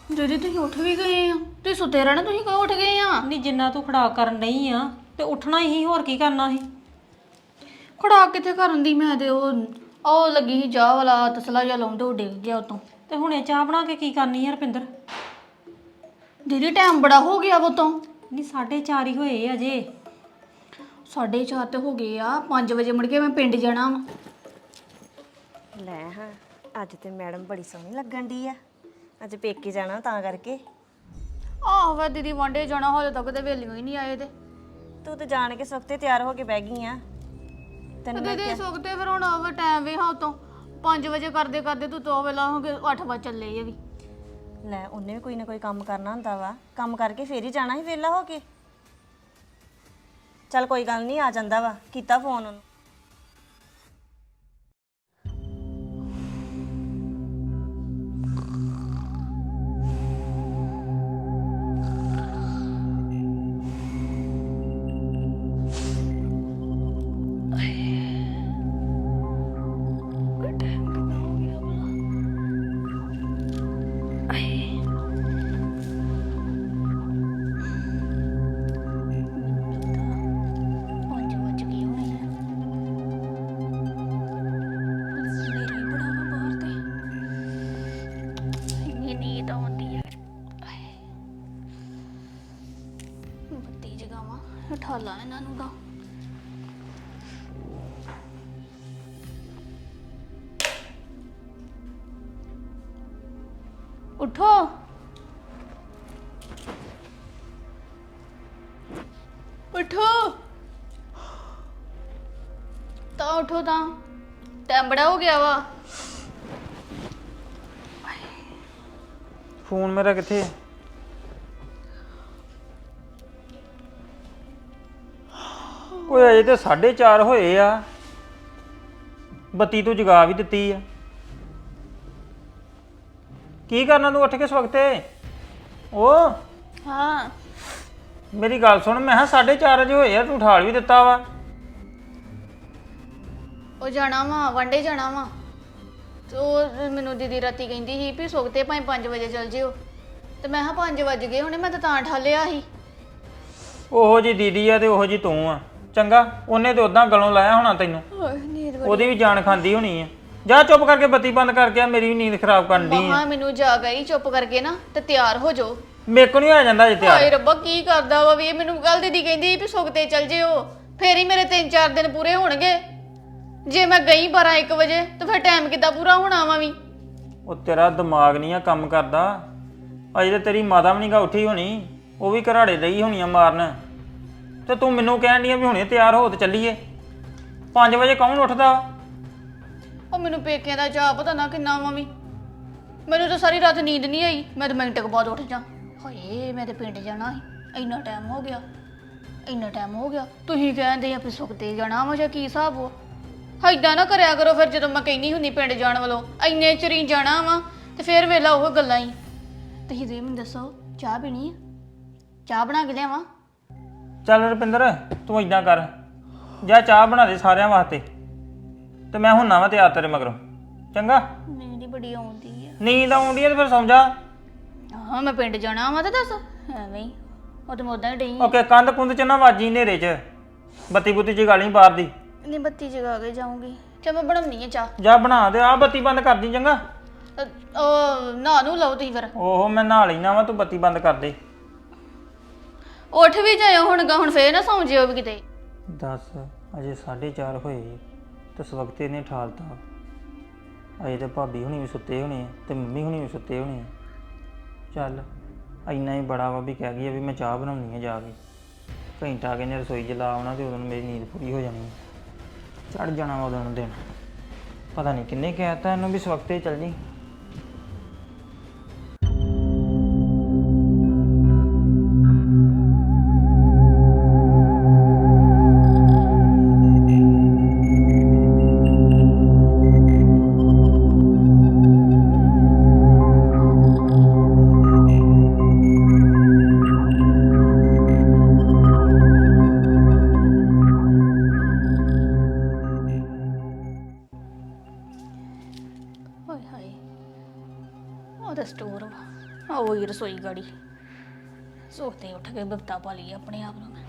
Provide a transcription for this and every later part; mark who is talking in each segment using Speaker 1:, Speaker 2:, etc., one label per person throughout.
Speaker 1: ਦੀਦੀ ਤੁਸੀਂ ਉੱਠ ਵੀ ਗਏ ਆ? ਤੁਸੀਂ ਸੁੱਤੇ ਰਹਿਣਾ, ਤੁਸੀਂ ਕਿਉਂ ਉੱਠ ਗਏ ਆ?
Speaker 2: ਨਹੀਂ ਜਿੰਨਾ ਤੂੰ ਖੜਾ ਕਰਨ ਨਹੀਂ ਆ ਤੇ ਉੱਠਣਾ ਹੀ ਹੋਰ ਕੀ ਕਰਨਾ ਸੀ।
Speaker 1: ਖੜਾ ਕਿੱਥੇ ਕਰਨ ਦੀ, ਮੈਂ ਤੇ ਉਹ ਲੱਗੀ ਸੀ ਚਾਹ ਵਾਲਾ ਤਸਲਾ ਜਿਹਾ ਲਾਉਂਦੇ, ਉਹ ਡਿੱਗ ਗਿਆ ਉਤੋਂ।
Speaker 2: ਤੇ ਹੁਣੇ ਚਾਹ ਬਣਾ ਕੇ ਕੀ ਕਰਨੀ ਆ ਰੁਪਿੰਦਰ?
Speaker 1: ਦੀਦੀ ਟਾਈਮ ਬੜਾ ਹੋ ਗਿਆ ਉਹ ਤੋਂ।
Speaker 2: ਨਹੀਂ 4:30 ਹੀ ਹੋਏ ਅਜੇ।
Speaker 1: 4:30 ਤੇ ਹੋ ਗਏ ਆ, 5 ਵਜੇ ਮੁੜ ਕੇ ਮੈਂ ਪਿੰਡ ਜਾਣਾ ਵਾ।
Speaker 3: ਲੈ ਹਾਂ, ਅੱਜ ਤੇ ਮੈਡਮ ਬੜੀ ਸੋਹਣੀ ਲੱਗਣ ਦੀ ਆ। ਅੱਜ ਪੇਕੇ ਜਾਣਾ ਤਾਂ ਕਰਕੇ।
Speaker 1: ਆਹੋ ਵਾ ਦੀਦੀ, ਵਾਂਡੇ ਜਾਣਾ, ਹਾਲੇ ਤੱਕ ਤੇ ਵੇਲਿਓ ਹੀ ਨਹੀਂ ਆਏ ਤੇ।
Speaker 3: ਤੂੰ ਤੇ ਜਾਣ ਕੇ ਸੁਖਤੇ ਤਿਆਰ ਹੋ ਕੇ ਬਹਿ ਗਈ ਆ। ਤੈਨੂੰ ਮੈਂ
Speaker 1: ਦੀਦੀ ਸੁੱਤੇ ਫਿਰ ਹੁਣ ਉਹ ਟਾਈਮ ਵੀ ਹਾਂ ਉਤੋਂ 5 ਵਜੇ ਕਰਦੇ ਕਰਦੇ ਤੂੰ ਤੋਂ ਵੇਲਾ ਹੋ ਗਏ 8 ਵਜੇ ਚੱਲੇ ਆ ਵੀ।
Speaker 3: ਲੈ ਉਹਨੇ ਵੀ ਕੋਈ ਨਾ ਕੋਈ ਕੰਮ ਕਰਨਾ ਹੁੰਦਾ ਵਾ, ਕੰਮ ਕਰਕੇ ਫੇਰ ਹੀ ਜਾਣਾ ਸੀ ਵਿਹਲਾ ਹੋ ਕੇ। ਚੱਲ ਕੋਈ ਗੱਲ ਨਹੀਂ, ਆ ਜਾਂਦਾ ਵਾ, ਕੀਤਾ ਫੋਨ ਉਹਨੂੰ।
Speaker 1: ਠਾਲਾ ਇਹਨਾਂ ਨੂੰ ਦਾ ਉਠੋ, ਉਠੋ ਤਾਂ ਉਠੋ ਤਾਂ, ਟਾਈਮ ਬੜਾ ਹੋ ਗਿਆ ਵਾ।
Speaker 4: ਫੋਨ ਮੇਰਾ ਕਿੱਥੇ ਹੈ? ਓਏ ਅਜੇ ਤੇ 4:30 ਹੋਏ ਆ, ਬੱਤੀ ਤੂੰ ਜਗਾ ਵੀ ਦਿੱਤੀ ਆ। ਕੀ ਕਰਨਾ ਤੂੰ ਉੱਠ ਕੇ ਇਸ ਵਕਤੇ? ਉਹ
Speaker 1: ਹਾਂ
Speaker 4: ਮੇਰੀ ਗੱਲ ਸੁਣ, ਮੈਂ ਕਿਹਾ 4:30 ਵਜੇ ਹੋਏ ਆ, ਤੂੰ ਉਠਾਲ ਵੀ ਦਿੱਤਾ ਵਾ।
Speaker 1: ਉਹ ਜਾਣਾ ਵਾ, ਵਾਂਡੇ ਜਾਣਾ ਵਾ ਤੇ ਉਹ ਮੈਨੂੰ ਦੀਦੀ ਰਾਤੀ ਕਹਿੰਦੀ ਸੀ ਵੀ ਸੁੱਤੇ ਭਾਵੇਂ 5 ਵਜੇ ਚੱਲ ਜਿਓ, ਤੇ ਮੈਂ ਕਿਹਾ 5 ਵਜ ਗਏ ਹੁਣੇ, ਮੈਂ ਤਾਂ ਠਾਲਿਆ ਸੀ।
Speaker 4: ਉਹੋ ਜੀ ਦੀਦੀ ਆ ਤੇ ਉਹੋ ਜੀ ਤੂੰ ਆ। ਚੰਗਾ, ਉਹਨੇ ਤੇ ਉਦਾਂ ਗਲੋਂ ਲਾਇਆ ਹੋਣਾ ਤੈਨੂੰ, ਉਹਦੀ ਵੀ ਜਾਨ ਖਾਂਦੀ ਹੋਣੀ ਆ। ਜਾ ਚੁੱਪ ਕਰਕੇ ਬੱਤੀ ਬੰਦ ਕਰਕੇ ਆ, ਮੇਰੀ ਵੀ ਨੀਂਦ ਖਰਾਬ ਕਰਨ ਦੀ ਆ।
Speaker 1: ਮੈਨੂੰ ਜਾ ਗਈ, ਚੁੱਪ ਕਰਕੇ ਨਾ ਤੇ ਤਿਆਰ ਹੋ ਜਾਓ।
Speaker 4: ਮੇਰੇ ਕੋ ਨਹੀਂ ਆ ਜਾਂਦਾ ਜੇ ਤਿਆਰ।
Speaker 1: ਹਾਏ ਰੱਬਾ, ਕੀ ਕਰਦਾ ਵਾ ਵੀ ਇਹ? ਮੈਨੂੰ ਕੱਲ ਦੀਦੀ ਕਹਿੰਦੀ ਵੀ ਸੁੱਤੇ ਚੱਲ ਜਿਓ, ਫੇਰ ਹੀ ਮੇਰੇ 3-4 ਦਿਨ ਪੂਰੇ ਹੋਣਗੇ। ਜੇ ਮੈਂ ਗਈ 12-1 ਵਜੇ ਤੇ ਫਿਰ ਟਾਈਮ ਕਿੱਦਾਂ ਪੂਰਾ ਹੋਣਾ ਵਾ ਵੀ?
Speaker 4: ਉਹ ਤੇਰਾ ਦਿਮਾਗ ਨਹੀਂ ਆ ਕੰਮ ਕਰਦਾ। ਅਜੇ ਤੇ ਤੇਰੀ ਮਾਤਾ ਵੀ ਨਹੀਂ ਗਾ ਉੱਠੀ ਹੋਣੀ, ਉਹ ਵੀ ਘਰਾੜੇ ਦਈ ਹੋਣੀਆਂ ਮਾਰਨ, ਤੇ ਤੂੰ ਮੈਨੂੰ ਕਹਿਣ ਡਈ ਆ ਵੀ ਹੁਣੇ ਤਿਆਰ ਹੋ ਤੇ ਚੱਲੀਏ। 5 ਵਜੇ ਕੌਣ ਉੱਠਦਾ?
Speaker 1: ਉਹ ਮੈਨੂੰ ਪੇਕਿਆਂ ਦਾ ਚਾਹ ਪਤਾ ਨਾ ਕਿੰਨਾ ਵਾ ਵੀ। ਮੈਨੂੰ ਤਾਂ ਸਾਰੀ ਰਾਤ ਨੀਂਦ ਨਹੀਂ ਆਈ, ਮੈਂ ਤਾਂ ਮਿੰਟ ਕੁ ਬਾਅਦ ਉੱਠ ਜਾ। ਹਾਏ ਮੈਂ ਤੇ ਪਿੰਡ ਜਾਣਾ ਸੀ, ਇੰਨਾ ਟਾਈਮ ਹੋ ਗਿਆ, ਇੰਨਾ ਟਾਈਮ ਹੋ ਗਿਆ। ਤੁਸੀਂ ਕਹਿੰਦੇ ਆ ਵੀ ਸੁੱਤੇ ਜਾਣਾ ਵਾ ਜਾਂ ਕੀ ਹਿਸਾਬ ਹੋ? ਏਦਾਂ ਨਾ ਕਰਿਆ ਕਰੋ ਫਿਰ, ਜਦੋਂ ਮੈਂ ਕਹਿੰਦੀ ਹੁੰਦੀ ਪਿੰਡ ਜਾਣ ਵੱਲੋਂ ਇੰਨੇ ਚਿਰ ਜਾਣਾ ਵਾ ਤੇ ਫਿਰ ਵੇਲਾ ਉਹ ਗੱਲਾਂ ਹੀ। ਤੁਸੀਂ ਦੇ ਮੈਨੂੰ ਦੱਸੋ, ਚਾਹ ਪੀਣੀ ਆ? ਚਾਹ ਬਣਾ ਕੇ ਲਿਆਵਾਂ?
Speaker 4: ਚੱਲ ਰੁਪਿੰਦਰ, ਤੂੰ ਇਦਾਂ ਕਰ, ਜਾ ਚਾਹ ਬਣਾ ਦੇ ਸਾਰਿਆਂ ਵਾਸਤੇ, ਤੇ ਮੈਂ ਹੁਣ ਵਾ ਤਿਆਰ ਤੇਰੇ ਮਗਰੋਂ। ਚੰਗਾ?
Speaker 1: ਨੀਂਦ ਹੀ ਬੜੀ ਆਉਂਦੀ ਆ।
Speaker 4: ਨੀਂਦ ਆਉਂਦੀ ਹੈ ਤੇ ਫਿਰ ਸੌਂ ਜਾ।
Speaker 1: ਹਾਂ ਮੈਂ ਪਿੰਡ ਜਾਣਾ ਵਾ ਤੇ ਦੱਸ ਐਵੇਂ ਹੀ, ਉਹ ਤੇ ਮੈਂ ਉਦਾਂ ਹੀ ਡਈ।
Speaker 4: ਓਕੇ, ਕੰਧ ਕੁੰਧ ਚ ਨਾ ਵਾਜੀ ਹਨੇਰੇ ਚ, ਬੱਤੀ ਬੁੱਤੀ ਜਗਾ ਲਈ ਬਾਹਰ ਦੀ।
Speaker 1: ਨਹੀਂ ਬੱਤੀ ਜਗਾ ਕੇ ਜਾਊਂਗੀ। ਚੱਲ ਮੈਂ ਬਣਾਉਣੀ ਆ ਚਾਹ।
Speaker 4: ਜਾ ਬਣਾ ਦੇ, ਆ ਬੱਤੀ ਬੰਦ ਕਰ ਦੀ। ਚੰਗਾ?
Speaker 1: ਉਹ ਨਹਾ ਨੂੰ ਲਓ ਤੁਸੀਂ ਫਿਰ।
Speaker 4: ਓਹੋ ਮੈਂ ਨਹਾ ਲੈਣਾ ਵਾ, ਤੂੰ ਬੱਤੀ ਬੰਦ ਕਰ ਦੇ।
Speaker 1: ਉੱਠ ਵੀ ਜਾਇਓ ਹੁਣ ਫੇਰ ਨਾ ਸੌਂ ਜਿਓ ਵੀ ਕਿਤੇ।
Speaker 4: ਦੱਸ, ਅਜੇ 4:30 ਹੋਏ ਤੇ ਇਸ ਵਕਤ ਇਹਨੇ ਠਾਲਤਾ। ਅਜੇ ਤੇ ਭਾਬੀ ਹੁਣੀ ਵੀ ਸੁੱਤੇ ਹੋਣੇ ਆ ਤੇ ਮੰਮੀ ਹੁਣੀ ਵੀ ਸੁੱਤੇ ਹੋਣੇ ਆ। ਚੱਲ ਇੰਨਾ ਹੀ ਬੜਾ ਵਾ ਵੀ ਕਹਿ ਗਈ ਆ ਵੀ ਮੈਂ ਚਾਹ ਬਣਾਉਣੀ ਆ ਜਾ ਕੇ। ਘੰਟਾ ਕੇ ਨੇ ਰਸੋਈ 'ਚ ਲਾ ਆਉਣਾ ਤੇ ਉਦੋਂ ਮੇਰੀ ਨੀਂਦ ਪੂਰੀ ਹੋ ਜਾਣੀ। ਚੜ ਜਾਣਾ ਵਾ ਉਦੋਂ ਨੂੰ ਦਿਨ। ਪਤਾ ਨਹੀਂ ਕਿੰਨੇ ਕਹਿ ਤਾ ਇਹਨੂੰ ਵੀ ਇਸ ਵਕਤੇ ਚੱਲ ਜੀ।
Speaker 1: ਹਾਏ ਹਾਏ, ਉਹ ਤਾਂ ਸਟੋਰ ਵਾ, ਉਹ ਹੀ ਰਸੋਈ ਗਾੜੀ ਸੋਤੇ ਉੱਠ ਕੇ ਬਿਪਤਾ ਪਾ ਲਈ ਆਪਣੇ ਆਪ ਨੂੰ ਮੈਂ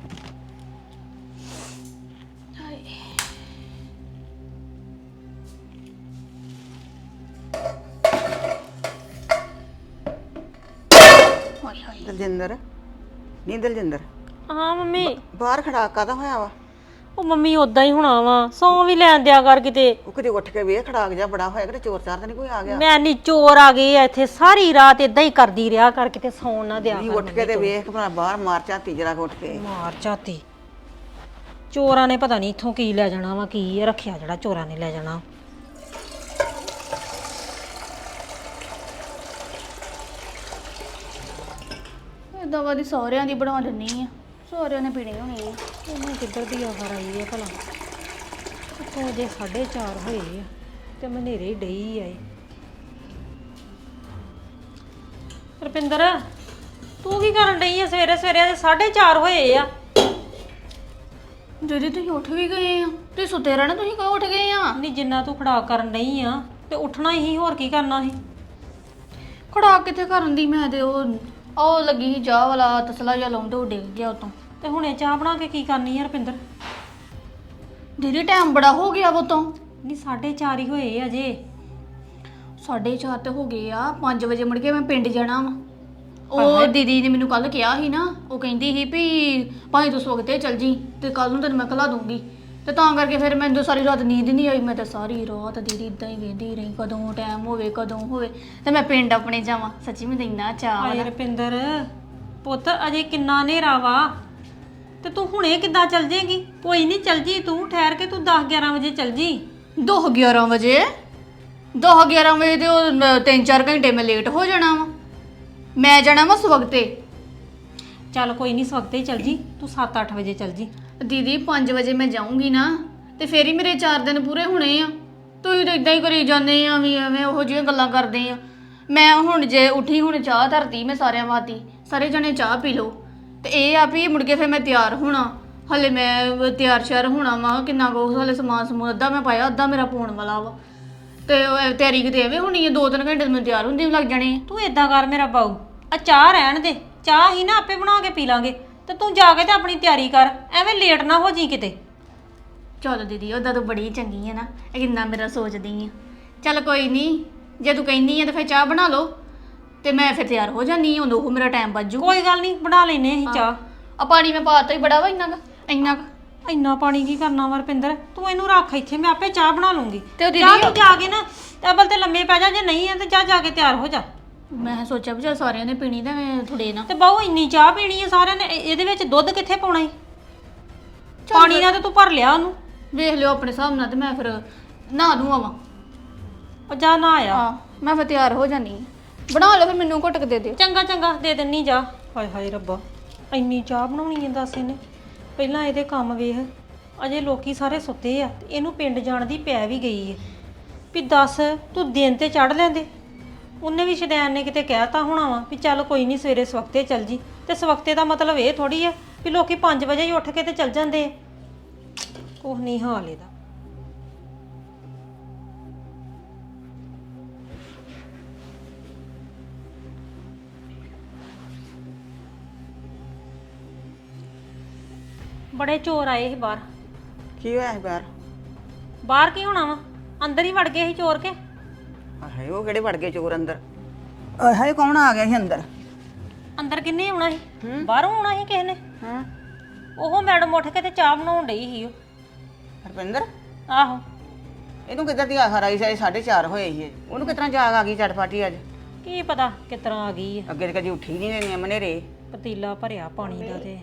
Speaker 1: ਹਾਏ ਹਾਏ ਹਾਏ
Speaker 5: ਦਲਜਿੰਦਰ ਨਹੀਂ ਦਲਜਿੰਦਰ
Speaker 2: ਹਾਂ ਮੰਮੀ
Speaker 5: ਬਾਹਰ ਖੜਾ ਕਾਦਾ ਹੋਇਆ ਵਾ
Speaker 2: ਉਹ ਮੰਮੀ ਉਦਾਂ ਹੀ ਹੋਣਾ ਵਾ ਸੌਂ ਵੀ ਲੈਣ ਦਿਆ ਕਰ ਕਿਤੇ
Speaker 5: ਉਹ ਕਿਤੇ ਉੱਠ ਕੇ ਵੇਖ ਖੜਾਕ ਜਾ ਬੜਾ ਹੋਇਆ ਕਿਤੇ ਚੋਰ ਚਾਰ ਤਾਂ ਨਹੀਂ ਕੋਈ ਆ ਗਿਆ
Speaker 2: ਮੈਂ ਨੀ ਚੋਰ ਆ ਗਏ ਆ ਇੱਥੇ ਸਾਰੀ ਰਾਤ ਇਦਾਂ ਹੀ ਕਰਦੀ ਰਿਹਾ ਕਰ ਕਿਤੇ ਸੌਣ ਨਾ ਦਿਆ
Speaker 5: ਨਹੀਂ
Speaker 2: ਕਰ
Speaker 5: ਉੱਠ ਕੇ ਤੇ ਵੇਖ ਭਲਾ ਬਾਹਰ ਮਾਰ ਝਾਤੀ ਜਰਾ ਉੱਠ ਕੇ
Speaker 2: ਮਾਰ ਝਾਤੀ ਚੋਰਾਂ ਨੇ ਪਤਾ ਨਹੀਂ ਇੱਥੋਂ ਕੀ ਲੈ ਜਾਣਾ ਵਾ ਕੀ ਰੱਖਿਆ ਜਿਹੜਾ ਚੋਰਾਂ ਨੇ ਲੈ ਜਾਣਾ
Speaker 1: ਦਵਾ ਦੀ ਸਹੁਰਿਆਂ ਦੀ ਬਣਾ ਦਿੰਨੀ ਆ ਸਹੁਰਿਆਂ ਨੇ ਪੀਣੀ ਹੋਣੀ ਆ
Speaker 2: ਉਹਨੇ ਕਿੱਧਰ ਦੀ ਆਖਰ ਆਈ ਹੈ ਭਲਾ ਉੱਥੋਂ ਜੇ 4:30 ਹੋਏ ਆ ਤੇ ਮਨੇਰੇ ਹੀ ਡਈ ਆਏ ਰੁਪਿੰਦਰ ਤੂੰ ਕੀ ਕਰਨ ਡਈ ਆ ਸਵੇਰੇ ਸਵੇਰੇ ਦੇ 4:30 ਹੋਏ ਆ
Speaker 1: ਦੀਦੀ ਤੁਸੀਂ ਉੱਠ ਵੀ ਗਏ ਆ ਤੁਸੀਂ ਸੁੱਤੇ ਰਹਿਣਾ ਤੁਸੀਂ ਕਿਉਂ ਉੱਠ ਗਏ ਆ
Speaker 2: ਨਹੀਂ ਜਿੰਨਾ ਤੂੰ ਖੜਾ ਕਰਨ ਡਈ ਆ ਤੇ ਉੱਠਣਾ ਹੀ ਹੋਰ ਕੀ ਕਰਨਾ ਸੀ
Speaker 1: ਖੜਾ ਕਿੱਥੇ ਕਰਨ ਦੀ ਮੈਂ ਤੇ ਉਹ ਲੱਗੀ ਸੀ ਚਾਹ ਵਾਲਾ ਤਸਲਾ ਜਿਹਾ ਲਾਉਂਦੇ ਉਹ ਡਿੱਗ ਗਿਆ ਉਤੋਂ
Speaker 2: ਤੇ ਹੁਣੇ ਚਾਹ ਬਣਾ ਕੇ ਕੀ ਕਰਨੀ ਆ ਰੁਪਿੰਦਰ
Speaker 1: ਦੀਦੀ ਟਾਈਮ ਬੜਾ ਹੋ ਗਿਆ ਉਤੋਂ
Speaker 2: ਨਹੀਂ 4:30 ਹੀ ਹੋਏ ਅਜੇ
Speaker 1: 4:30 ਤੇ ਹੋ ਗਏ ਆ 5 ਵਜੇ ਮੁੜ ਕੇ ਮੈਂ ਪਿੰਡ ਜਾਣਾ ਵਾ ਉਹ ਦੀਦੀ ਨੇ ਮੈਨੂੰ ਕੱਲ ਕਿਹਾ ਸੀ ਨਾ ਉਹ ਕਹਿੰਦੀ ਸੀ ਵੀ ਭਾਈ ਤੂੰ ਸਵਖਤੇ ਚੱਲ ਜੀ ਤੇ ਕੱਲ ਨੂੰ ਤੈਨੂੰ ਮੈਂ ਖਲਾ ਦੂੰਗੀ ਤੇ ਤਾਂ ਕਰਕੇ ਫਿਰ ਮੈਨੂੰ ਸਾਰੀ ਰਾਤ ਨੀਂਦ ਨਹੀਂ ਆਈ ਮੈਂ ਤਾਂ ਸਾਰੀ ਰਾਤ ਦੀਦੀ ਇਦਾਂ ਹੀ ਵੇਂਦੀ ਰਹੀ ਕਦੋਂ ਟਾਈਮ ਹੋਵੇ ਤੇ ਮੈਂ ਪਿੰਡ ਆਪਣੇ ਜਾਵਾਂ ਸੱਚੀ ਮੈਨੂੰ ਇੰਨਾ ਚਾਅ
Speaker 2: ਹਾਏ
Speaker 1: ਵਾ
Speaker 2: ਰੁਪਿੰਦਰ ਪੁੱਤ ਅਜੇ ਕਿੰਨਾ ਹਨੇਰਾ ਵਾ ਤੇ ਤੂੰ ਹੁਣੇ ਕਿੱਦਾਂ ਚੱਲ ਜੇਗੀ ਕੋਈ ਨਹੀਂ ਚੱਲ ਜੀ ਤੂੰ ਠਹਿਰ ਕੇ ਤੂੰ 10-11 ਵਜੇ ਚੱਲ ਜੀ
Speaker 1: 11 ਵਜੇ 11 ਵਜੇ ਤੇ ਉਹ 3-4 ਘੰਟੇ ਮੈਂ ਲੇਟ ਹੋ ਜਾਣਾ ਵਾ ਮੈਂ ਜਾਣਾ ਵਾ ਸਵਖਤੇ
Speaker 2: ਚੱਲ ਕੋਈ ਨਹੀਂ ਸਵਖਤੇ ਹੀ ਚੱਲ ਜੀ ਤੂੰ 7-8 ਵਜੇ ਚੱਲ ਜੀ
Speaker 1: ਦੀਦੀ 5 ਵਜੇ ਮੈਂ ਜਾਊਂਗੀ ਨਾ ਤੇ ਫੇਰ ਹੀ ਮੇਰੇ 4 ਦਿਨ ਪੂਰੇ ਹੋਣੇ ਆ ਤੁਸੀਂ ਤਾਂ ਇਦਾਂ ਹੀ ਕਰੀ ਜਾਂਦੇ ਆ ਵੀ ਐਵੇਂ ਉਹੋ ਜਿਹੀਆਂ ਗੱਲਾਂ ਕਰਦੇ ਆ ਮੈਂ ਹੁਣ ਜੇ ਉੱਠੀ ਹੁਣ ਚਾਹ ਧਰਤੀ ਮੈਂ ਸਾਰਿਆਂ ਵਾਤੀ ਸਾਰੇ ਜਣੇ ਚਾਹ ਪੀ ਲਓ ਤੇ ਇਹ ਆ ਵੀ ਮੁੜ ਕੇ ਫਿਰ ਮੈਂ ਤਿਆਰ ਹੋਣਾ ਹਲੇ ਮੈਂ ਤਿਆਰ ਸ਼ਿਆਰ ਹੋਣਾ ਵਾ ਕਿੰਨਾ ਕੁ ਹਲੇ ਸਮਾਨ ਸਮੂਨ ਅੱਧਾ ਮੈਂ ਪਾਇਆ ਅੱਧਾ ਮੇਰਾ ਪਾਉਣ ਵਾਲਾ ਵਾ ਤੇ ਤਿਆਰੀ ਕਿਤੇ ਐਵੇਂ ਹੋਣੀ ਆ 2-3 ਘੰਟੇ ਮੈਨੂੰ ਤਿਆਰ ਹੁੰਦੇ ਵੀ ਲੱਗ ਜਾਣੇ ਆ।
Speaker 2: ਤੂੰ ਏਦਾਂ ਕਰ ਮੇਰਾ ਬਾਊ ਆ ਚਾਹ ਰਹਿਣ ਦੇ ਚਾਹ ਹੀ ਨਾ ਆਪੇ ਬਣਾ ਕੇ ਪੀ ਲਾਂਗੇ ਤੇ ਤੂੰ ਜਾ ਕੇ ਤੇ ਆਪਣੀ ਤਿਆਰੀ ਕਰ ਐਵੇਂ ਲੇਟ ਨਾ ਹੋ ਜੀ ਕਿਤੇ
Speaker 1: ਚੱਲ ਦੀਦੀ ਉਹਦਾ ਤੂੰ ਬੜੀ ਚੰਗੀ ਆ ਨਾ ਇਹ ਕਿੰਨਾ ਮੇਰਾ ਸੋਚਦੀ ਆ ਚੱਲ ਕੋਈ ਨਹੀਂ ਜੇ ਤੂੰ ਕਹਿੰਦੀ ਆ ਤਾਂ ਫਿਰ ਚਾਹ ਬਣਾ ਲਓ ਤੇ ਮੈਂ ਫਿਰ ਤਿਆਰ ਹੋ ਜਾਨੀ ਆ ਉਦੋਂ ਉਹ ਮੇਰਾ ਟਾਈਮ ਵੱਜੂ
Speaker 2: ਕੋਈ ਗੱਲ ਨਹੀਂ ਬਣਾ ਲੈਨੇ ਅਸੀਂ ਚਾਹ
Speaker 1: ਆ ਪਾਣੀ ਮੈਂ ਪਾਤਾ ਹੀ ਬੜਾ ਵਾ ਇੰਨਾ ਕੁ
Speaker 2: ਇੰਨਾ ਪਾਣੀ ਕੀ ਕਰਨਾ ਵਾ ਰੁਪਿੰਦਰ ਤੂੰ ਇਹਨੂੰ ਰੱਖ ਇੱਥੇ ਮੈਂ ਆਪੇ ਚਾਹ ਬਣਾ ਲੂੰਗੀ
Speaker 1: ਤੇ ਉਹ
Speaker 2: ਚਾਹ ਤੂੰ ਜਾ ਕੇ ਨਾ ਟੇਬਲ ਤੇ ਲੰਮੇ ਪੈ ਜਾ ਜੇ ਨਹੀਂ ਆ ਤੇ ਜਾ ਕੇ ਤਿਆਰ ਹੋ ਜਾ
Speaker 1: ਮੈਂ ਸੋਚਿਆ ਵੀ ਚੱਲ ਸਾਰਿਆਂ ਨੇ ਪੀਣੀ ਤਾਂ ਮੈਂ ਥੋੜੇ ਨਾ
Speaker 2: ਤੇ ਬਾਊ ਇੰਨੀ ਚਾਹ ਪੀਣੀ ਆ ਸਾਰਿਆਂ ਨੇ ਇਹਦੇ ਵਿੱਚ ਦੁੱਧ ਕਿੱਥੇ ਪਾਉਣਾ ਈ ਪਾਣੀ ਨਾਲ ਤੇ ਤੂੰ ਭਰ ਲਿਆ ਉਹਨੂੰ
Speaker 1: ਵੇਖ ਲਿਓ ਆਪਣੇ ਹਿਸਾਬ ਨਾਲ ਤੇ ਮੈਂ ਫਿਰ ਨਹਾ ਦੂੰ ਆਵਾਂ
Speaker 2: ਉਹ ਜਾ ਨਾ ਆਇਆ
Speaker 1: ਹਾਂ ਮੈਂ ਫਿਰ ਤਿਆਰ ਹੋ ਜਾਨੀ ਆਂ। ਬਣਾ ਲਓ ਫਿਰ ਮੈਨੂੰ ਘੁੱਟ ਕੇ ਦੇ ਦਿਓ
Speaker 2: ਚੰਗਾ ਚੰਗਾ ਦੇ ਦਿੰਨੀ ਜਾ ਹਾਏ ਹਾਏ ਰੱਬਾ ਇੰਨੀ ਚਾਹ ਬਣਾਉਣੀ ਹੈ ਦੱਸ ਇਹਨੇ ਪਹਿਲਾਂ ਇਹਦੇ ਕੰਮ ਵੇਖ ਅਜੇ ਲੋਕੀ ਸਾਰੇ ਸੁੱਤੇ ਆ ਤੇ ਇਹਨੂੰ ਪਿੰਡ ਜਾਣ ਦੀ ਪੈ ਵੀ ਗਈ ਹੈ ਵੀ ਦੱਸ ਤੂੰ ਦਿਨ ਤੇ ਚੜ ਲੈਂਦੇ ਉਹਨੇ ਵੀ ਸ਼ਦੈਨ ਨੇ ਕਿਤੇ ਕਹਿਤਾ ਹੋਣਾ ਵਾ ਵੀ ਚੱਲ ਕੋਈ ਨਹੀਂ ਸਵੇਰੇ ਸਵਖਤੇ ਚੱਲ ਜੀ ਤੇ ਸਵਖਤੇ ਦਾ ਮਤਲਬ ਇਹ ਥੋੜੀ ਆ ਵੀ ਲੋਕੀ 5 ਵਜੇ ਹੀ ਉੱਠ ਕੇ ਤੇ ਚੱਲ ਜਾਂਦੇ ਆ ਕੁਛ ਨਹੀਂ ਹਾਲ ਇਹਦਾ ਬੜੇ ਚੋਰ ਆਏ ਸੀ ਬਾਹਰ
Speaker 5: ਕੀ ਹੋਇਆ ਸੀ ਬਾਹਰ
Speaker 2: ਬਾਹਰ ਕੀ ਹੋਣਾ ਵਾ ਅੰਦਰ ਹੀ ਵੜ ਗਏ ਸੀ ਚੋਰ ਕੇ
Speaker 5: ਹਾਏ ਉਹ ਕਿਹੜੇ ਵੜ ਗਏ ਚੋਰ ਅੰਦਰ ਹਾਏ ਕੌਣ ਆ ਗਿਆ ਸੀ ਅੰਦਰ
Speaker 2: ਅੰਦਰ ਕਿੰਨੇ ਆਉਣਾ ਸੀ ਬਾਹਰੋਂ ਆਉਣਾ ਸੀ ਕਿਸੇ ਨੇ
Speaker 5: ਹਾਂ
Speaker 2: ਉਹ ਮੈਡਮ ਉੱਠ ਕੇ ਤੇ ਚਾਹ ਬਣਾਉਣ ਡਈ ਸੀ ਉਹ
Speaker 5: ਹਰਪਿੰਦਰ
Speaker 2: ਆਹੋ
Speaker 5: ਇਹਨੂੰ ਕਿੱਧਰ ਦੀ ਆਖਰ ਆਈ ਸੀ 4:30 ਹੋਏ ਸੀ ਉਹਨੂੰ ਕਿਤਨਾ ਜਾਗ ਆ ਗਈ ਚਟਪਾਟੀ ਅੱਜ
Speaker 2: ਕੀ ਪਤਾ ਕਿਸ ਤਰ੍ਹਾਂ ਆ ਗਈ ਹੈ
Speaker 5: ਅੱਗੇ ਤੇ ਕਦੀ ਉੱਠੀ ਨਹੀਂ ਰਹਿੰਦੀ ਮਨੇਰੇ
Speaker 2: ਪਤੀਲਾ ਭਰਿਆ ਪਾਣੀ ਦਾ ਤੇ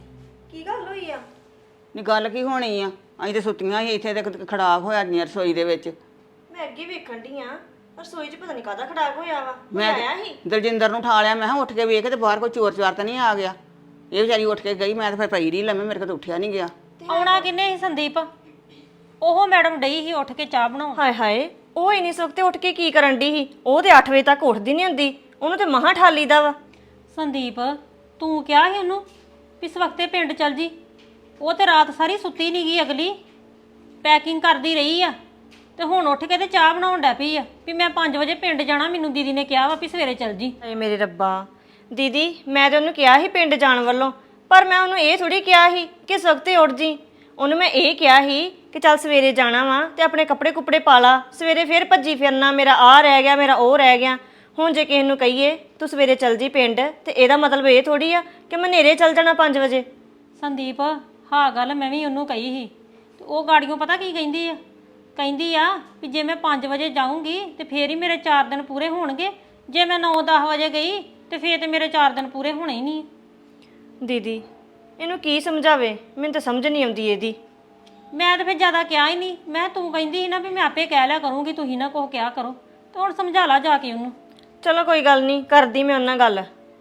Speaker 5: ਨੀ ਗੱਲ ਕੀ ਹੋਣੀ ਆ ਅਸੀਂ ਤੇ ਸੁੱਤੀਆਂ ਸੀ ਇੱਥੇ ਤੇ ਖੜਾਕ ਹੋਇਆ ਨੀ ਰਸੋਈ ਦੇ ਵਿੱਚ
Speaker 3: ਮੈਂ ਅੱਗੇ ਵੇਖਣ ਢੀ ਆ ਰਸੋਈ 'ਚ ਪਤਾ ਨਹੀਂ ਕਾਹਦਾ ਖੜਾਕ ਹੋਇਆ ਵਾ
Speaker 5: ਮੈਂ ਦਲਜਿੰਦਰ ਨੂੰ ਠਾ ਲਿਆ ਮੈਂ ਕਿਹਾ ਉੱਠ ਕੇ ਵੇਖ ਤੇ ਬਾਹਰ ਕੋਈ ਚੋਰ ਚਾਰ ਤਾਂ ਨਹੀਂ ਆ ਗਿਆ ਇਹ ਵਿਚਾਰੀ ਉੱਠ ਕੇ ਗਈ ਮੈਂ ਤਾਂ ਫਿਰ ਪਈ ਰਹੀ ਲੰਮੇ ਮੇਰੇ ਕੋਲ ਤਾਂ ਉੱਠਿਆ ਨਹੀਂ ਗਿਆ
Speaker 2: ਆਉਣਾ ਕਿੰਨੇ ਸੀ ਸੰਦੀਪ ਉਹ ਮੈਡਮ ਡਈ ਸੀ ਉੱਠ ਕੇ ਚਾਹ ਬਣਾਉਣ
Speaker 3: ਹਾਏ ਹਾਏ ਉਹ ਇੰਨੀ ਸੁੱਤੇ ਉੱਠ ਕੇ ਕੀ ਕਰਨ ਢੀ ਸੀ ਉਹ ਤੇ 8 ਵਜੇ ਤੱਕ ਉੱਠਦੀ ਨਹੀਂ ਹੁੰਦੀ ਉਹਨੂੰ ਤੇ ਮਹਾਂ ਠਾਲੀ ਦਾ ਵਾ
Speaker 2: ਸੰਦੀਪ ਤੂੰ ਕਿਹਾ ਸੀ ਉਹਨੂੰ ਵੀ ਇਸ ਵਕਤੇ ਪਿੰਡ ਚੱਲ ਜੀ ਉਹ ਤੇ ਰਾਤ ਸਾਰੀ ਸੁੱਤੀ ਨਹੀਂ ਗਈ ਅਗਲੀ ਪੈਕਿੰਗ ਕਰਦੀ ਰਹੀ ਆ ਤੇ ਹੁਣ ਉੱਠ ਕੇ ਤੇ ਚਾਹ ਬਣਾਉਣ ਡੈ ਪਈ ਆ ਵੀ ਮੈਂ 5 ਵਜੇ ਪਿੰਡ ਜਾਣਾ ਮੈਨੂੰ ਦੀਦੀ ਨੇ ਕਿਹਾ ਵਾ ਵੀ ਸਵੇਰੇ ਚੱਲ ਜੀ
Speaker 3: ਹਾਏ ਮੇਰੇ ਰੱਬਾ ਦੀਦੀ ਮੈਂ ਤੇ ਉਹਨੂੰ ਕਿਹਾ ਸੀ ਪਿੰਡ ਜਾਣ ਵੱਲੋਂ, ਪਰ ਮੈਂ ਉਹਨੂੰ ਇਹ ਥੋੜੀ ਕਿਹਾ ਸੀ ਕਿ ਸਖਤੇ ਉੱਠ ਜੀ। ਉਹਨੂੰ ਮੈਂ ਇਹ ਕਿਹਾ ਸੀ ਕਿ ਚੱਲ ਸਵੇਰੇ ਜਾਣਾ ਵਾ ਤੇ ਆਪਣੇ ਕੱਪੜੇ ਕੁਪੜੇ ਪਾ ਲਾ, ਸਵੇਰੇ ਫੇਰ ਭੱਜੀ ਫਿਰਨਾ, ਮੇਰਾ ਆਹ ਰਹਿ ਗਿਆ, ਮੇਰਾ ਉਹ ਰਹਿ ਗਿਆ। ਹੁਣ ਜੇ ਕਿਸੇ ਨੂੰ ਕਹੀਏ ਤੂੰ ਸਵੇਰੇ ਚੱਲ ਜੀ ਪਿੰਡ, ਤੇ ਇਹਦਾ ਮਤਲਬ ਇਹ ਥੋੜੀ ਆ ਕਿ ਮੈਂ ਹਨੇਰੇ ਚੱਲ ਜਾਣਾ 5 ਵਜੇ।
Speaker 2: ਸੰਦੀਪ ਹਾਂ ਗੱਲ ਮੈਂ ਵੀ ਉਹਨੂੰ ਕਹੀ ਸੀ ਤੇ ਉਹ ਗਾੜੀਆਂ ਪਤਾ ਕੀ ਕਹਿੰਦੀ ਆ, ਕਹਿੰਦੀ ਆ ਵੀ ਜੇ ਮੈਂ 5 ਵਜੇ ਜਾਊਂਗੀ ਤੇ ਫੇਰ ਹੀ ਮੇਰੇ 4 ਦਿਨ ਪੂਰੇ ਹੋਣਗੇ, ਜੇ ਮੈਂ 9-10 ਵਜੇ ਗਈ ਤੇ ਫੇਰ ਤੇ ਮੇਰੇ 4 ਦਿਨ ਪੂਰੇ ਹੋਣੇ ਹੀ ਨਹੀਂ।
Speaker 3: ਦੀਦੀ ਇਹਨੂੰ ਕੀ ਸਮਝਾਵੇ, ਮੈਨੂੰ ਤਾਂ ਸਮਝ ਨਹੀਂ ਆਉਂਦੀ ਇਹਦੀ।
Speaker 2: ਮੈਂ ਤਾਂ ਫਿਰ ਜ਼ਿਆਦਾ ਕਿਹਾ ਹੀ ਨਹੀਂ, ਮੈਂ ਤੂੰ ਕਹਿੰਦੀ ਸੀ ਨਾ ਵੀ ਮੈਂ ਆਪੇ ਕਹਿ ਲਿਆ ਕਰੂੰਗੀ, ਤੁਸੀਂ ਨਾ ਕੁਛ ਕਿਹਾ ਕਰੋ, ਤੇ ਹੁਣ ਸਮਝਾ ਲਾ ਜਾ ਕੇ ਉਹਨੂੰ।
Speaker 3: ਚਲੋ ਕੋਈ ਗੱਲ ਨਹੀਂ, ਕਰਦੀ ਮੈਂ ਉਹਨਾਂ ਗੱਲ।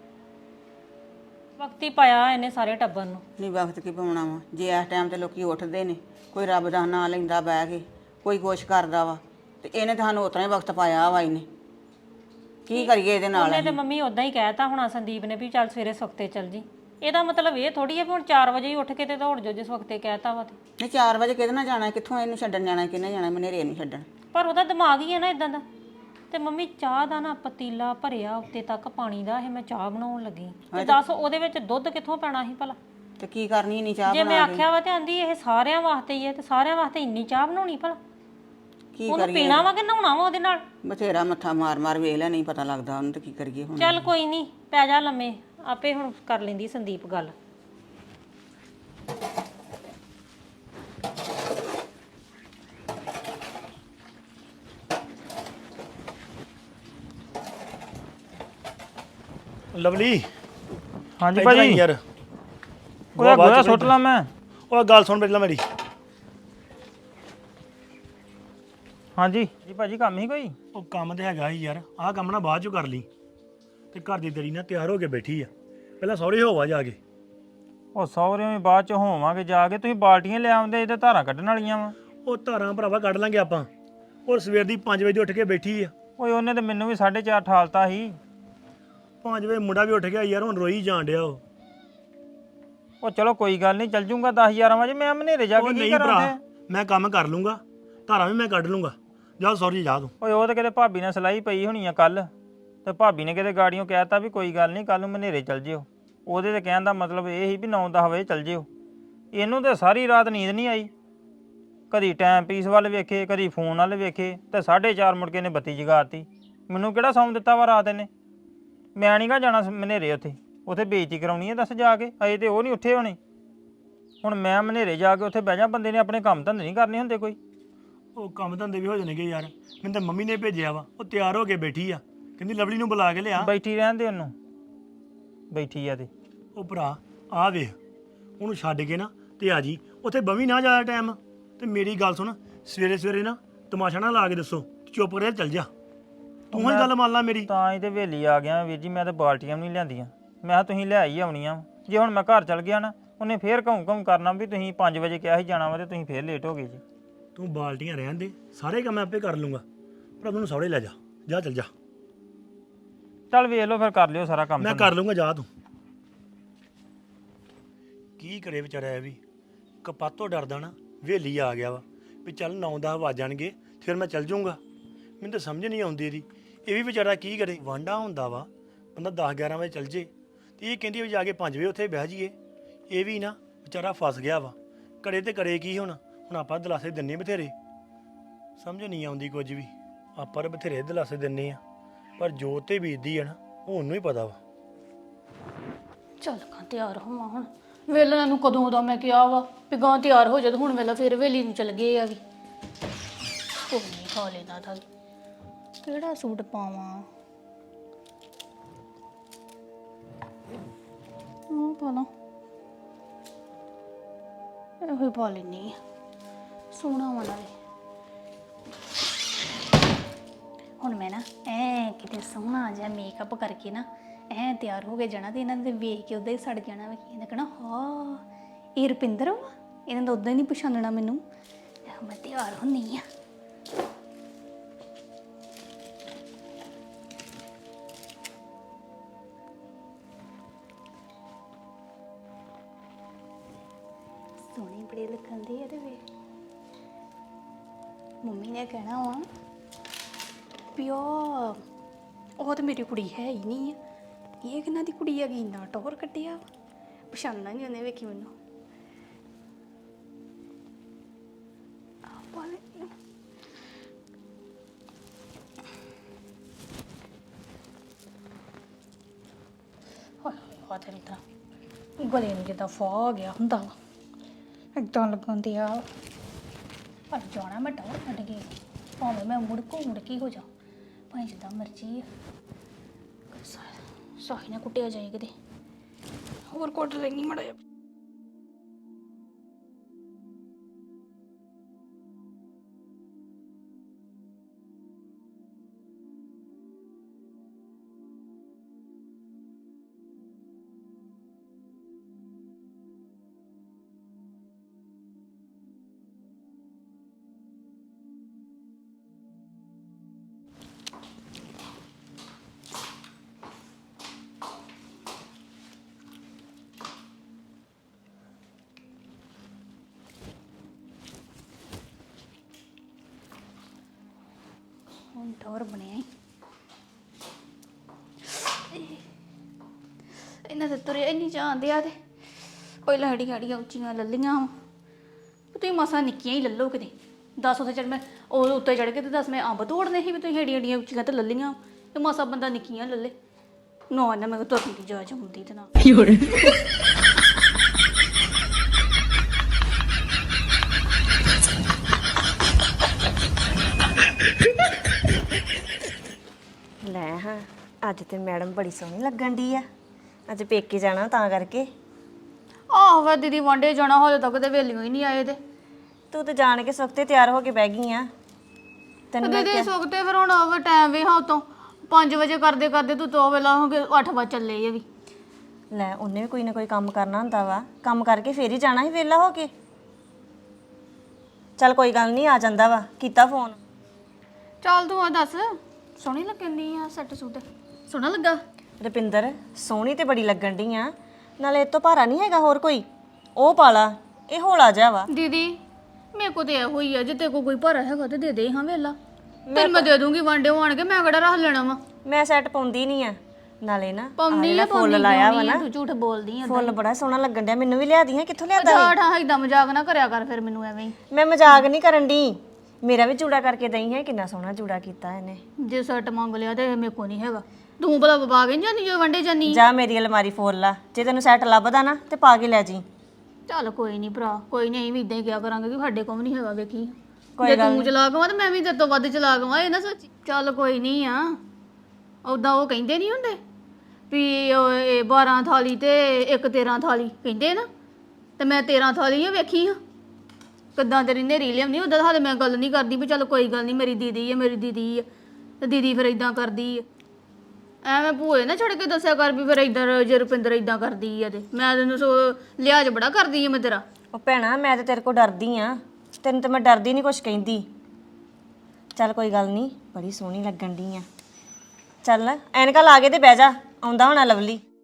Speaker 2: ਵਕਤੀ ਪਾਇਆ ਇਹਨੇ ਸਾਰੇ ਟੱਬਰ ਨੂੰ।
Speaker 5: ਨਹੀਂ ਵਕਤ ਕੀ ਪਾਉਣਾ ਵਾ, ਜੇ ਇਸ ਟਾਈਮ ਤੇ ਲੋਕੀ ਉੱਠਦੇ ਨੇ, ਕੋਈ ਰੱਬ ਦਾ ਨਾਂ ਲੈਂਦਾ ਬਹਿ ਕੇ, ਕੋਈ ਕੁਛ ਕਰਦਾ ਵਾ, ਤੇ ਇਹਨੇ ਤਾਂ ਸਾਨੂੰ ਉਤਰਾ ਹੀ ਵਕਤ ਪਾਇਆ ਵਾ। ਇਹਨੇ ਕੀ ਕਰੀਏ ਇਹਦੇ ਨਾਲ?
Speaker 2: ਉਹਨੇ ਤੇ ਮੰਮੀ ਉਦਾਂ ਹੀ ਕਹਿਤਾ ਹੋਣਾ ਸੰਦੀਪ ਨੇ ਵੀ ਚੱਲ ਸਵੇਰੇ ਸੁਖਤੇ ਚੱਲ ਜੀ। ਇਹਦਾ ਮਤਲਬ ਇਹ ਥੋੜੀ ਹੈ ਵੀ ਹੁਣ 4 ਵਜੇ ਹੀ ਉੱਠ ਕੇ ਤੇ ਦੌੜ ਜਾਓ ਜਿਸ ਵਕਤੇ ਕਹਿਤਾ ਵਾ ਤੇ।
Speaker 5: ਨਹੀਂ 4 ਵਜੇ ਕਿਹਦੇ ਨਾਲ ਜਾਣਾ, ਕਿੱਥੋਂ ਇਹਨੂੰ ਛੱਡਣ ਜਾਣਾ, ਕਿਹਨੇ ਜਾਣਾ ਮਨੇਰੇ ਨੂੰ ਛੱਡਣ?
Speaker 2: ਪਰ ਉਹਦਾ ਦਿਮਾਗ ਹੀ ਹੈ ਨਾ ਇਦਾਂ ਦਾ। ਤੇ ਮੰਮੀ ਚਾਹ ਦਾ ਨਾ ਪਤੀਲਾ ਭਰਿਆ ਉੱਤੇ ਤੱਕ ਪਾਣੀ ਦਾ, ਇਹ ਮੈਂ ਚਾਹ ਬਣਾਉਣ ਲੱਗੀ ਤੇ ਦੱਸ ਉਹਦੇ ਵਿੱਚ ਦੁੱਧ ਕਿੱਥੋਂ ਪੈਣਾ ਸੀ ਭਲਾ?
Speaker 5: ਤੇ ਕੀ ਕਰਨੀ ਨਹੀਂ ਚਾਹ
Speaker 2: ਜੇ ਮੈਂ
Speaker 5: ਬਣਾ ਕੇ?
Speaker 2: ਆਖਿਆ ਵਾ ਤੇ ਆਂਦੀ ਇਹ ਸਾਰਿਆਂ ਵਾਸਤੇ ਹੀ ਹੈ, ਤੇ ਸਾਰਿਆਂ ਵਾਸਤੇ ਇੰਨੀ ਚਾਹ ਬਣਾਉਣੀ ਭਲਾ?
Speaker 5: ਕੀ
Speaker 2: ਉਹਨੂੰ
Speaker 5: ਕਰੀਏ?
Speaker 2: ਪੀਣਾ ਵਾ ਕਿ ਨਹਾਉਣਾ ਵਾ ਉਹਦੇ ਨਾਲ?
Speaker 5: ਬਥੇਰਾ ਮੱਥਾ ਮਾਰ ਮਾਰ ਵੇਖ ਲਿਆ, ਨਹੀਂ ਪਤਾ ਲੱਗਦਾ ਉਹਨੂੰ, ਤੇ ਕੀ ਕਰੀਏ ਹੁਣ?
Speaker 2: ਚੱਲ ਕੋਈ ਨਹੀਂ, ਪੈ ਜਾ ਲੰਮੇ, ਆਪੇ ਹੁਣ ਕਰ ਲੈਂਦੀ ਸੰਦੀਪ ਗੱਲ।
Speaker 6: ਲਵਲੀ
Speaker 4: ਹਾਂਜੀ
Speaker 6: ਇੱਧਰ ਆਈ
Speaker 4: ਭਾਜੀ।
Speaker 6: ਯਾਰ
Speaker 4: ਉਹਦਾ ਗੋਇਆ ਸੁੱਟ ਲਾ ਮੈਂ।
Speaker 6: ਉਹ ਗੱਲ ਸੁਣ ਪਹਿਲਾਂ ਮੇਰੀ।
Speaker 4: ਹਾਂਜੀ ਜੀ ਭਾਜੀ, ਕੰਮ ਹੀ ਕੋਈ?
Speaker 6: ਉਹ ਕੰਮ ਤੇ ਹੈਗਾ ਹੀ ਯਾਰ, ਆਹ ਕੰਮ ਨਾ ਬਾਅਦ ਚੋਂ ਕਰ ਲਈ। ਤੇ ਘਰ ਦੀ ਤੇਰੀ ਨਾ ਤਿਆਰ ਹੋ ਕੇ ਬੈਠੀ ਆ, ਪਹਿਲਾਂ ਸਹੁਰੇ ਹੋਵਾ ਜਾ ਕੇ।
Speaker 4: ਉਹ ਸਹੁਰਿਆਂ ਵੀ ਬਾਅਦ ਚ ਹੋਵਾਂਗੇ ਜਾ ਕੇ, ਤੁਸੀਂ ਬਾਲਟੀਆਂ ਲੈ ਆਉਂਦੇ, ਇਹਦੇ ਧਾਰਾਂ ਕੱਢਣ ਵਾਲੀਆਂ ਵਾ।
Speaker 6: ਉਹ ਧਾਰਾਂ ਭਰਾਵਾ ਕੱਢ ਲਾਂਗੇ ਆਪਾਂ। ਔਰ ਸਵੇਰ ਦੀ 5 ਵਜੇ ਉੱਠ ਕੇ ਬੈਠੀ ਆ।
Speaker 4: ਓਏ ਉਹਨੇ ਤੇ ਮੈਨੂੰ ਵੀ 4:30 ਠਾਲਤਾ ਸੀ।
Speaker 6: 5 ਵਜੇ ਮੁੰਡਾ ਵੀ ਉੱਠ ਗਿਆ ਯਾਰ, ਹੁਣ ਰੋਈ ਜਾਣ ਡਿਆ ਉਹ।
Speaker 4: ਉਹ ਚਲੋ ਕੋਈ ਗੱਲ ਨਹੀਂ, ਚੱਲ ਜੂੰਗਾ 10-11 ਵਜੇ। ਮੈਂ ਹਨੇਰੇ ਜਾ
Speaker 6: ਉਹ
Speaker 4: ਕੇ ਕੀ
Speaker 6: ਨਹੀਂ
Speaker 4: ਕਰਾਂ
Speaker 6: ਭਰਾ,
Speaker 4: ਉੱਥੇ?
Speaker 6: ਮੈਂ ਕੰਮ ਕਰ ਲੂੰਗਾ, ਧਾਰਾਂ ਵੀ ਮੈਂ ਕੱਢ ਲੂੰਗਾ। ਜਾ ਸੌਰੀ ਜਾ ਤੂੰ।
Speaker 4: ਓਏ ਉਹ ਤਾਂ ਕਿਤੇ ਭਾਬੀ ਨਾਲ ਸਲਾਈ ਪਈ ਹੋਣੀ ਆ ਕੱਲ, ਤੇ ਭਾਬੀ ਨੇ ਕਿਤੇ ਗਾੜੀਆਂ ਕਹਿਤਾ ਵੀ ਕੋਈ ਗੱਲ ਨਹੀਂ ਕੱਲ ਨੂੰ ਹਨੇਰੇ ਚੱਲ ਜਿਓ। ਉਹਦੇ ਤੇ ਕਹਿਣ ਦਾ ਮਤਲਬ ਇਹ ਸੀ ਵੀ 9-10 ਵਜੇ ਚੱਲ ਜਿਓ। ਇਹਨੂੰ ਤਾਂ ਸਾਰੀ ਰਾਤ ਨੀਂਦ ਨਹੀਂ ਆਈ, ਕਦੀ ਟਾਈਮ ਪੀਸ ਵੱਲ ਵੇਖੇ, ਕਦੀ ਫੋਨ ਵੱਲ ਵੇਖੇ, ਤੇ 4:30 ਮੁੜ ਕੇ ਨੇ ਬੱਤੀ ਜਗਾਤੀ। ਮੈਨੂੰ ਕਿਹੜਾ ਸੌਂ ਦਿੱਤਾ ਵਾ ਰਾਤ ਇਹਨੇ? ਮੈਂ ਨਹੀਂ ਗਾ ਜਾਣਾ ਹਨੇਰੇ, ਉੱਥੇ ਬੇਇੱਜ਼ਤੀ ਕਰਾਉਣੀ ਹੈ ਦੱਸ ਜਾ ਕੇ। ਅਜੇ ਤੇ ਉਹ ਨਹੀਂ ਉੱਠੇ ਹੋਣੇ, ਹੁਣ ਮੈਂ ਹਨੇਰੇ ਜਾ ਕੇ ਉੱਥੇ ਬਹਿ ਜਾ? ਬੰਦੇ ਨੇ ਆਪਣੇ ਕੰਮ ਧੰਦੇ ਨਹੀਂ ਕਰਨੇ ਹੁੰਦੇ ਕੋਈ?
Speaker 6: ਉਹ ਕੰਮ ਧੰਦੇ ਵੀ ਹੋ ਜਾਣਗੇ ਯਾਰ, ਮੈਨੂੰ ਤਾਂ ਮੰਮੀ ਨੇ ਭੇਜਿਆ ਵਾ। ਉਹ ਤਿਆਰ ਹੋ ਕੇ ਬੈਠੀ ਆ, ਕਹਿੰਦੀ ਲਵਲੀ ਨੂੰ ਬੁਲਾ ਕੇ ਲਿਆ।
Speaker 4: ਬੈਠੀ ਰਹਿਣ ਦੇ ਉਹਨੂੰ, ਬੈਠੀ ਆ ਤੇ।
Speaker 6: ਉਹ ਭਰਾ ਆ ਵੇਖ, ਉਹਨੂੰ ਛੱਡ ਕੇ ਨਾ ਤੇ ਆ ਜੀ ਉੱਥੇ ਬਵੀ ਨਾ ਜ਼ਿਆਦਾ ਟਾਈਮ। ਤੇ ਮੇਰੀ ਗੱਲ ਸੁਣ, ਸਵੇਰੇ ਸਵੇਰੇ ਨਾ ਤਮਾਸ਼ਾ ਨਾ ਲਾ ਕੇ ਦੱਸੋ, ਚੁੱਪ ਕਰਕੇ ਚੱਲ ਜਾ। ਤੂੰ ਹੀ ਗੱਲ ਮੰਨ ਲਾ ਮੇਰੀ।
Speaker 4: ਤਾਂ ਹੀ ਤੇ ਵੇਲੀ ਆ ਗਿਆ ਵੀਰ ਜੀ, ਮੈਂ ਤਾਂ ਬਾਲਟੀਆਂ ਵੀ ਨਹੀਂ ਲਿਆਂਦੀਆਂ। ਮੈਂ ਕਿਹਾ ਤੁਸੀਂ ਲੈ ਹੀ ਆਉਣੀਆਂ। ਜੇ ਹੁਣ ਮੈਂ ਘਰ ਚਲ ਗਿਆ ਨਾ, ਉਹਨੇ ਫੇਰ ਘਉਂ ਕਰਨਾ ਵੀ ਤੁਸੀਂ 5 ਵਜੇ ਕਿਹਾ ਸੀ ਜਾਣਾ ਵਾ ਤੇ ਤੁਸੀਂ ਫੇਰ ਲੇਟ ਹੋ ਗਏ ਜੀ।
Speaker 6: ਤੂੰ ਬਾਲਟੀਆਂ ਰਹਿਣ ਦੇ, ਸਾਰੇ ਕੰਮ ਮੈਂ ਆਪੇ ਕਰ ਲੂੰਗਾ, ਪਰ ਤੈਨੂੰ ਸੌੜੇ ਲੈ ਜਾ। ਜਾ ਚੱਲ ਜਾ,
Speaker 4: ਚੱਲ ਵੇਖ ਲਓ ਫਿਰ, ਕਰ ਲਿਓ ਸਾਰਾ ਕੰਮ।
Speaker 6: ਮੈਂ ਕਰ ਲੂੰਗਾ, ਜਾ ਤੂੰ। ਕੀ ਕਰੇ ਵਿਚਾਰਾ ਇਹ ਵੀ, ਕਪਾਤੋਂ ਡਰਦਾ ਨਾ ਵੇਲੀ ਆ ਗਿਆ ਵਾ ਵੀ ਚੱਲ 9-10 ਵੱਜ ਜਾਣਗੇ ਫਿਰ ਮੈਂ ਚੱਲ ਜਾਊਂਗਾ। ਮੈਨੂੰ ਤਾਂ ਸਮਝ ਨਹੀਂ ਆਉਂਦੀ ਇਹਦੀ। ਇਹ ਵੀ ਵਿਚਾਰਾ ਕੀ ਕਰੇ, ਵਾਂਢਾ ਹੁੰਦਾ ਵਾ ਬੰਦਾ 10-11 ਵਜੇ ਚੱਲ ਜੇ, ਤੇ ਇਹ ਕਹਿੰਦੀ ਵੀ ਜਾ ਕੇ 5 ਵਜੇ ਉੱਥੇ ਬਹਿ ਜਾਈਏ। ਇਹ ਵੀ ਨਾ ਵਿਚਾਰਾ ਫਸ ਗਿਆ ਵਾ, ਕਰੇ ਤੇ ਕਰੇ ਕੀ ਹੁਣ ਆਪਾਂ ਦਿਲਾਸੇ ਦਿੰਨੇ ਬਥੇਰੇ, ਸਮਝ ਨਹੀਂ ਆਉਂਦੀ ਕੁਝ ਵੀ। ਆਪਾਂ ਤਾਂ ਬਥੇਰੇ ਦਿਲਾਸੇ ਦਿੰਨੇ ਆ, ਪਰ ਜੋ ਤੇ ਬੀਤਦੀ ਆ ਨਾ ਉਹ ਉਹਨੂੰ ਹੀ ਪਤਾ ਵਾ।
Speaker 1: ਚੱਲ ਕਾਂ ਤਿਆਰ ਹੋਵਾਂ ਹੁਣ। ਵੇਲੇ ਨੂੰ ਕਦੋਂ ਦਾ ਮੈਂ ਕਿਹਾ ਵਾ ਵੀ ਗਾਂ ਤਿਆਰ ਹੋ ਜਾ, ਤੇ ਹੁਣ ਵੇਲਾ ਫਿਰ ਵੇਲੀ ਨੂੰ ਚਲ ਗਏ ਆ ਵੀ। ਕੋਈ ਨਹੀਂ, ਖਾ ਲੈਣਾ ਤਾਂ। ਕਿਹੜਾ ਸੂਟ ਪਾਵਾਂ? ਉਹ ਪਾ ਲਾ, ਇਹੋ ਹੀ ਪਾ ਲੈਂਦੀ ਆ, ਸੋਹਣਾ ਵਾ ਨਾਲੇ। ਹੁਣ ਮੈਂ ਨਾ ਕਿਤੇ ਸੋਹਣਾ ਜਿਹਾ ਮੇਕਅਪ ਕਰਕੇ ਨਾ ਤਿਆਰ ਹੋ ਕੇ ਜਾਣਾ, ਤੇ ਇਹਨਾਂ ਦੇ ਵੇਖ ਕੇ ਉਦਾਂ ਹੀ ਸੜ ਜਾਣਾ ਵਾ। ਇਹਨਾਂ ਕਹਿਣਾ ਹਾਂ ਇਹ ਰੁਪਿੰਦਰ ਵਾ, ਇਹਨਾਂ ਦਾ ਉਦਾਂ ਹੀ ਨਹੀਂ ਪਛਾਣਨਾ ਮੈਨੂੰ। ਮੈਂ ਤਿਆਰ ਹੁੰਨੀ ਆ। ਸੋਹਣੇ ਬੜੇ ਲੱਗਣ ਦੇ ਇਹਦੇ ਵੇ। ਮੰਮੀ ਨੇ ਕਹਿਣਾ ਵਾ ਵੀ ਉਹ ਤਾਂ ਮੇਰੀ ਕੁੜੀ ਹੈ ਹੀ ਨਹੀਂ ਆ, ਇਹ ਕਿਹਨਾਂ ਦੀ ਕੁੜੀ ਹੈਗੀ ਇੰਨਾ ਟੌਰ ਕੱਢਿਆ ਪਛਾਣਨਾ ਨਹੀਂ ਉਹਨੇ ਵੇਖੀ ਮੈਨੂੰ ਹੋਏ ਦਿਲ ਦਾ ਗਲੇ ਨੂੰ ਜਿੱਦਾਂ ਫਾ ਹੋ ਗਿਆ ਹੁੰਦਾ ਵਾ ਏਦਾਂ ਲੱਗਣ ਤੇ ਆ ਪਰ ਜਾਣਾ ਮੈਂ ਟੌਰ ਕੱਢ ਕੇ ਭਾਵੇਂ ਮੈਂ ਮੁੜ ਕੇ ਹੋ ਜਾ ਭਾਵੇਂ ਜਿੱਦਾਂ ਮਰਜ਼ੀ ਆ ਸਾਹੀ ਨਾ ਕੁੱਟਿਆ ਜਾਏ ਕਿਤੇ ਹੋਰ ਕੁੱਟ ਲੈਣੀ ਮੜਾ ਜਾ ਹੁਣ ਟੌਰ ਬਣਿਆ ਇਹਨਾਂ ਦੇ ਤੁਰੇ ਨਹੀਂ ਜਾਂਦੇ ਆ ਤੇ ਪਹਿਲਾਂ ਹੜੀਆਂ ਉੱਚੀਆਂ ਲੱਲੀਆਂ ਵਾ ਤੁਸੀਂ ਮਸਾਂ ਨਿੱਕੀਆਂ ਹੀ ਲੱਲੋ ਕਿਤੇ 10 ਉੱਤੇ ਚੜ ਮੈਂ ਉਹ ਉੱਤੇ ਚੜ ਕੇ ਤੇ 10 ਮੈਂ ਅੰਬ ਤੋੜਨੇ ਸੀ ਵੀ ਤੁਸੀਂ ਹੜੀਆਂ ਉੱਚੀਆਂ ਤੇ ਲੱਲੀਆਂ ਤੇ ਮਸਾਂ ਬੰਦਾ ਨਿੱਕੀਆਂ ਲੱਲੇ ਨਾ ਮੈਂ ਤੁਰਨ ਦੀ ਜਾਚ ਹੁੰਦੀ ਤੇ ਨਾ
Speaker 3: ਲੈ ਹਾਂ ਅੱਜ ਤੇ ਮੈਡਮ ਬੜੀ ਸੋਹਣੀ ਲੱਗਣ ਦੀ ਆ ਅੱਜ ਪੇਕੇ ਜਾਣਾ ਤਾਂ ਕਰਕੇ
Speaker 1: ਆਹੋ ਵਾ ਦੀਦੀ ਵਾਂਡੇ ਜਾਣਾ ਹਾਲੇ ਤੱਕ ਤੇ ਵੇਲੀਓ ਹੀ ਨਹੀਂ ਆਏ ਤੇ
Speaker 3: ਤੂੰ ਤੇ ਜਾਣ ਕੇ ਸੁਖਤੇ ਤਿਆਰ ਹੋ ਕੇ ਬਹਿ ਗਈ ਆ ਤੈਨੂੰ ਮੈਂ
Speaker 1: ਦੀਦੀ ਸੁੱਕਤੇ ਫਿਰ ਹੁਣ ਉਹ ਟਾਈਮ ਵੀ ਹਾਂ ਉਤੋਂ 5 ਵਜੇ ਕਰਦੇ ਕਰਦੇ ਤੂੰ 2 ਵੇਲਾ ਹੋ ਗਏ 8 ਵਜੇ ਚੱਲੇ ਇਹ ਵੀ
Speaker 3: ਲੈ ਉਹਨੇ ਵੀ ਕੋਈ ਨਾ ਕੋਈ ਕੰਮ ਕਰਨਾ ਹੁੰਦਾ ਵਾ ਕੰਮ ਕਰਕੇ ਫੇਰ ਹੀ ਜਾਣਾ ਸੀ ਵਿਹਲਾ ਹੋ ਕੇ ਚੱਲ ਕੋਈ ਗੱਲ ਨਹੀਂ ਆ ਜਾਂਦਾ ਵਾ ਕੀਤਾ ਫੋਨ
Speaker 1: ਚੱਲ ਤੂੰ ਆ ਦੱਸ ਸੋਹਣੀ ਲੱਗਣੀ ਆ ਸੈੱਟ ਸੂਟ ਸੋਹਣਾ ਲੱਗਾ
Speaker 3: ਰੁਪਿੰਦਰ ਸੋਹਣੀ ਤੇ ਬੜੀ ਲੱਗਣ ਡਈ ਆ ਨਾਲੇ ਇਹ ਤੋਂ ਭਾਰਾ ਨਹੀਂ ਹੈਗਾ ਹੋਰ ਕੋਈ ਉਹ ਪਾਲਾ ਇਹ ਹੌਲਾ ਜਿਹਾ ਵਾ
Speaker 1: ਦੀਦੀ ਮੇਰੇ ਕੋ ਤੇ ਇਹੋ ਹੀ ਆ ਜੇ ਤੇ ਕੋਈ ਭਰਾ ਹੈਗਾ ਤੇ ਦੇ ਦੇ ਹਾਂ ਵੇਲਾ ਫਿਰ ਮੈਂ ਦੇ ਦੂੰਗੀ ਵਾਂਡੇ ਆਣ ਕੇ ਮੈਂ ਕਿਹੜਾ ਰੱਖ ਲੈਣਾ ਵਾ
Speaker 3: ਮੈਂ ਸੈੱਟ ਪਾਉਂਦੀ ਨਹੀਂ ਆ ਨਾਲੇ ਨਾ
Speaker 1: ਪਾਉਂਦੀ ਆ
Speaker 3: ਫੁੱਲ ਲਾਇਆ ਵਾ ਨਾ
Speaker 1: ਤੂੰ ਝੂਠ ਬੋਲਦੀ ਆ
Speaker 3: ਫੁੱਲ ਬੜਾ ਸੋਹਣਾ ਲੱਗਣ ਡਿਆ ਮੈਨੂੰ ਵੀ ਲਿਆ ਦੀਆਂ ਕਿੱਥੋਂ ਲਿਆਦਾ
Speaker 1: ਠਾਠਾ ਏਦਾਂ ਮਜ਼ਾਕ ਨਾ ਕਰਿਆ ਕਰ ਫਿਰ ਮੈਨੂੰ ਐਵੇਂ ਹੀ
Speaker 3: ਮੈਂ ਮਜ਼ਾਕ ਨਹੀਂ ਕਰਨ ਦੀ ਮੇਰਾ ਵੀ ਜੂੜਾ ਕਰਕੇ ਦਈ ਹੈ ਕਿੰਨਾ ਸੋਹਣਾ ਜੂੜਾ ਕੀਤਾ ਇਹਨੇ
Speaker 1: ਜੇ ਸੱਟ ਮੰਗ ਲਿਆ ਤੇ ਮੇਰੇ ਕੋ ਨਹੀਂ ਹੈਗਾ ਤੂੰ ਭਲਾ ਬਬਾ ਕੇ ਜਾਨੀ ਜੋ ਵੰਡੇ ਜਾਨੀ
Speaker 3: ਜਾ ਮੇਰੀ ਅਲਮਾਰੀ ਫੋਲ ਲਾ ਜੇ ਤੈਨੂੰ ਸੈੱਟ ਲੱਭਦਾ ਨਾ ਤੇ ਪਾ ਕੇ ਲੈ ਜੀ
Speaker 1: ਚੱਲ ਕੋਈ ਨਹੀਂ ਭਰਾ ਕੋਈ ਨਹੀਂ ਵੀ ਇਦਾਂ ਹੀ ਕਿਹਾ ਕਰਾਂਗੇ ਕਿ ਸਾਡੇ ਕੋਲ ਨਹੀਂ ਹੈਗਾ ਵੇਖੀ ਜੇ ਤੂੰ ਚਲਾ ਗਵਾ ਤੇ ਮੈਂ ਵੀ ਤੇਰੇ ਤੋਂ ਵੱਧ ਚਲਾ ਗਵਾ ਇਹ ਨਾ ਸੋਚੀ ਚੱਲ ਕੋਈ ਨਹੀਂ ਆ ਉਦਾਂ ਉਹ ਕਹਿੰਦੇ ਨਹੀਂ ਹੁੰਦੇ ਵੀ ਇਹ 12 ਥਾਲੀ ਤੇ ਇੱਕ 13 ਥਾਲੀ ਕਹਿੰਦੇ ਨਾ ਤੇ ਮੈਂ 13 ਥਾਲੀ ਵੇਖੀ ਆ ਕਿੱਦਾਂ ਤੇਰੀ ਨੇਰੀ ਲਿਆਉਣੀ ਉਦਾਂ ਹਾਲੇ ਮੈਂ ਗੱਲ ਨਹੀਂ ਕਰਦੀ ਵੀ ਚੱਲ ਕੋਈ ਗੱਲ ਨਹੀਂ ਮੇਰੀ ਦੀਦੀ ਆ ਤੇ ਦੀਦੀ ਫਿਰ ਇਦਾਂ ਕਰਦੀ ਆ ਐਵੇਂ ਭੂਏ ਨਾ ਛੱਡ ਕੇ ਦੱਸਿਆ ਕਰ ਵੀ ਫਿਰ ਇਦਾਂ ਜੇ ਰੁਪਿੰਦਰ ਇਦਾਂ ਕਰਦੀ ਆ ਤੇ ਮੈਂ ਤੈਨੂੰ ਲਿਹਾਜ਼ ਬੜਾ ਕਰਦੀ ਆ ਮੈਂ ਤੇਰਾ
Speaker 3: ਉਹ ਭੈਣਾ ਮੈਂ ਤੇ ਤੇਰੇ ਕੋਲ ਡਰਦੀ ਆ ਤੈਨੂੰ ਤੇ ਮੈਂ ਡਰਦੀ ਨਹੀਂ ਕੁਛ ਕਹਿੰਦੀ ਚੱਲ ਕੋਈ ਗੱਲ ਨਹੀਂ ਬੜੀ ਸੋਹਣੀ ਲੱਗਣ ਦੀ ਆ ਚੱਲ ਐਨਕਾਂ ਲਾ ਕੇ ਤੇ ਬਹਿ ਜਾ ਆਉਂਦਾ ਹੋਣਾ ਲਵਲੀ